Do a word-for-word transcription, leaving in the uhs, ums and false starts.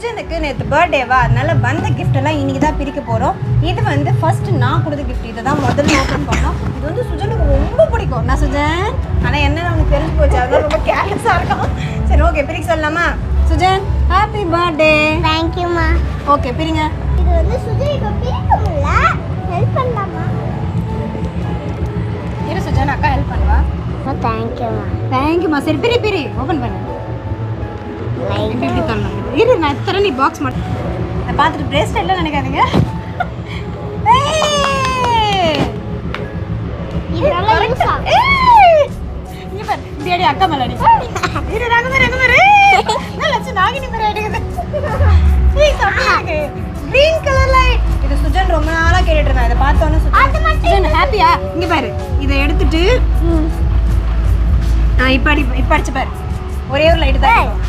சுஜனுக்கு நேற்று பர்த்டேவா, அதனால வந்த கிஃப்ட் எல்லாம் இன்னைக்கு தான் பிரிக்க போகிறோம். இது வந்து ஃபர்ஸ்ட் நான் கொடுத்த கிஃப்ட், இதை தான் முதல்ல ஓப்பன் பண்ணோம். இது வந்து சுஜனுக்கு ரொம்ப பிடிக்கும். நான் சுஜன் ஆனால் என்ன அவனுக்கு தெரிஞ்சு போச்சு, அதெல்லாம் ரொம்ப கேர்லெஸ்ஸாக இருக்கும். சரி ஓகே, பிரிக்க சொல்லலாமா? Sujan happy birthday. தேங்க்யூம்மா. ஓகே பிரிங்க. இது வந்து சுஜன் இப்போ பிரிக்க முடியல, ஹெல்ப் பண்ணலாமா? இரு சுஜன், அக்கா ஹெல்ப் பண்ணுவா. தேங்க்யூம்மா. தேங்க்யூமா. சரி பிரி பிரி ஓப்பன் பண்ணு. இப்படி இப்படி தரணும். இரு நான் தரேன், நீ பாக்ஸ் மட்டும். நான் பார்த்துட்டு பிரேஸ்லெட்லாம் நினைக்காதீங்க. இது நல்லா யூஸ் ஆகும். இங்க பாரு, இப்படி அடி, அக்கா மேல அடி. இரு நாங்க மேல எங்க மேல. நான் லட்சம் நாகினி மேல அடிக்குது. ஏய் சமையலுக்கு green color light. இது சுஜன் ரொம்ப நாளா கேட்டுட்டு இருந்தா. இத பார்த்தோனே சுஜன் சுஜன் ஹாப்பியா? இங்க பாரு, இத எடுத்துட்டு ஆ இப்ப அடி, இப்ப அடிச்சு பாரு. ஒரே ஒரு லைட் தான்.